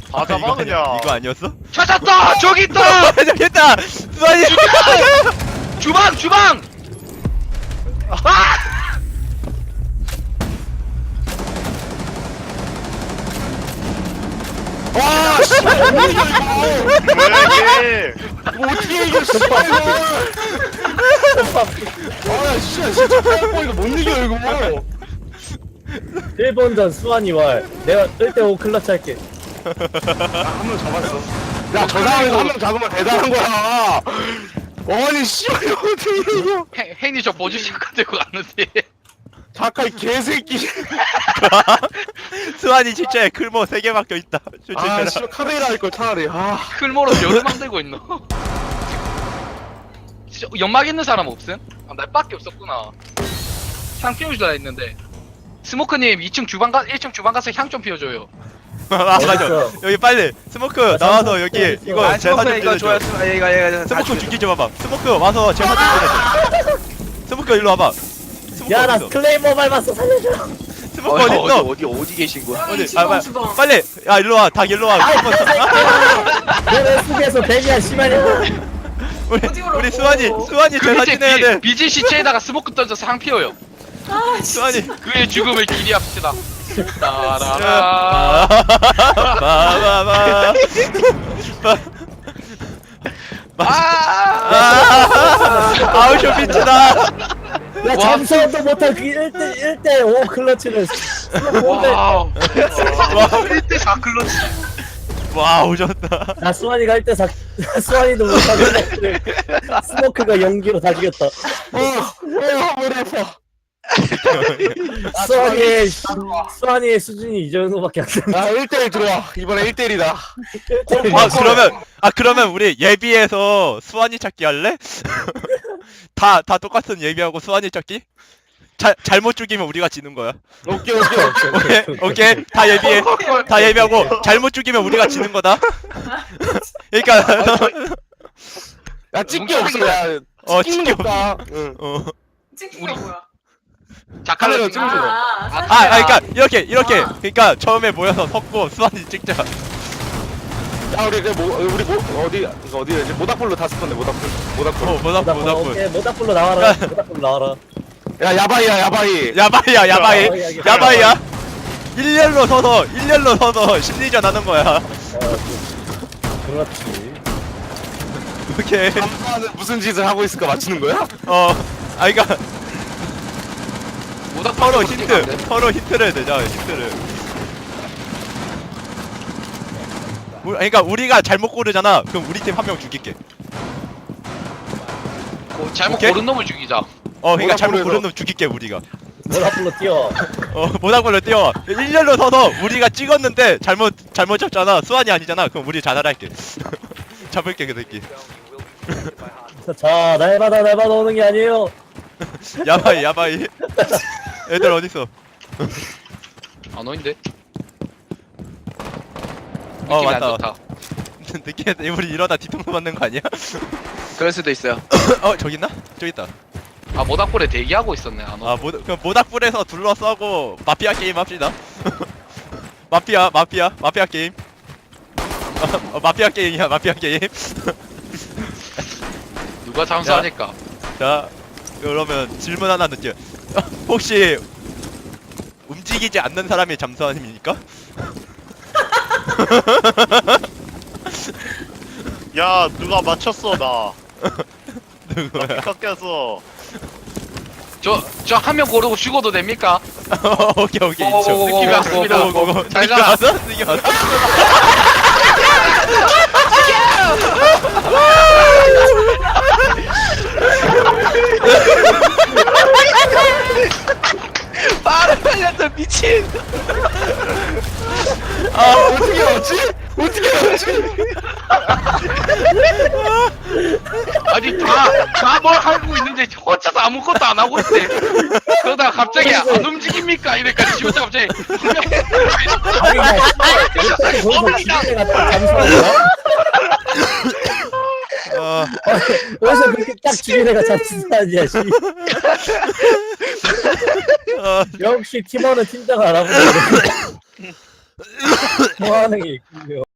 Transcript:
다 잡아 그냥. 이거 아니었어? 찾았다! 저기 있다! 저기 있다! 수환이! 주방! 주방! 아! 와, 씨, 뭐야 이거? 왜 뭐 어떻게 이겨, 씨, 이거? 아, 진짜 이거 못 이겨 이거. 1번전 수환이 왈. 내가 1대5 클러치 할게. 한 명 잡았어. 야, 저 상황에서 한 명 잡으면 대단한 거야. 아니, 씨발 이거 어떻게 이겨? 행님 저 보조샷 들고 갔는데. 잠깐 이 개새끼. 수환이 진짜 클모 3개 박혀있다. 아, 조심해라. 씨발 카메라 할 걸 차라리. 아, 클모로 벼를 만들고 있노. 진짜 연막 있는 사람 없음? 아, 날밖에 없었구나. 향 피워주라 했는데. 스모크님 2층 주방 1층 주방 가서 향 좀 피워줘요. 아 맞아. 어딨어? 여기 빨리 스모크 나와서 여기 이거 아 제사 좀 이거 지내줘. 좋았어. 이거 스모크 죽기 좀 와봐. 스모크 와서 제사 좀 지내줘. 스모크 일로 와봐. 스모크 야, 나 어딨어? 클레이머 밟았어. 살려줘. 스모크 어딨어? 어디 계신 거야? 어디? 주방, 주방. 빨리. 야 일로 와. 닭 일로 와. 너네 속에서 데뷔야, 씨발이야. 어디 오라고? 우리 수환이 그 제사 밑에 지내야 돼. BG 시체에다가 스모크 던져서 향 피워요. 아, 진짜. 수환이. 그의 죽음을 기리합시다. 따라라. 마마마. 아우쇼 비치다. 야, 잠수도 못한 그 1대5 클러치를. 와우. 1대4 클러치. 와 오셨다. 나 수환이가 1대4. 수환이도 못한 클러치를. 스모크가 연기로 다 죽였다. 머리 아파. 수환이의 수준이 이 정도밖에 안 돼. 아, 1대1 들어와. 이번에 1대1이다. 그러면 우리 예비해서 수환이 찾기 할래? 다 똑같은 예비하고 수환이 찾기? 잘못 죽이면 우리가 지는 거야. 오케이. 오케이 다 예비하고 잘못 죽이면 우리가 지는 거다. 그러니까 야, 찍기 없어. 야, 찍는 찍기 거 없다. 응. 찍기가 뭐야? 카메라 작가를 찍는 거. 그러니까 이렇게 그러니까 처음에 모여서 섞고 수환이 찍자. 야, 우리 어디였지? 모닥불로 다 썼네. 모닥불. 모닥불. 오케이, 모닥불로 나와라. 모닥불로 나와라. 야, 야바이야. 야바이야. 일렬로 서서 심리전 하는 거야. 그렇지. 오케이. 남자는 무슨 짓을 하고 있을까 맞추는 거야? 그러니까 서로 힌트. 서로 힌트를 내자. 그러니까 우리가 잘못 고르잖아. 그럼 우리 팀 한 명 죽일게. 잘못 오케이? 고른 놈을 죽이자. 그러니까 잘못 모닥불에서. 고른 놈 죽일게 우리가. 모닥불로 뛰어. 모닥불로 뛰어. 일렬로 서서 우리가 찍었는데 잘못 잡잖아. 수환이 아니잖아. 그럼 우리 자살할게. 잡을게 그 새끼. 자, 날 받아 오는 게 아니에요. 야바이. 애들 어딨어? 아 너인데? 느낌이 안 맞다. 좋다. 느끼해. 우리 이러다 뒤통수 맞는 거 아니야? 그럴 수도 있어요. 저기 있나? 저기 있다. 아 모닥불에 대기하고 있었네. 아 너. 그럼 모닥불에서 둘러싸고 마피아 게임 합시다. 마피아 게임. 마피아 게임이야. 마피아 게임. 누가 잠수하니까. 자, 그러면 질문 하나 넣을게요. 혹시 움직이지 않는 사람이 잠수함입니까? 야 누가 맞췄어 나. 누구야? 깎였어. 저 한 명 고르고 죽어도 됩니까? 오케이. 느낌이 왔습니다. 잘 가. 느낌 왔어? 말을 살렸어 미친. 어떻게 알았지? 아니 다 뭘 하고 있는데 혼자서 아무것도 안 하고 있대. 그러다가 갑자기 안 움직입니까? 이러니까 지금 갑자기 아니, 나 거기서 집에 갔다 잠수하는 거야? 어디서 그렇게 딱 집에가 잠수하냐, 씨. 역시 팀원은 팀장을 알아보네. 뭐 하는 게 있군요.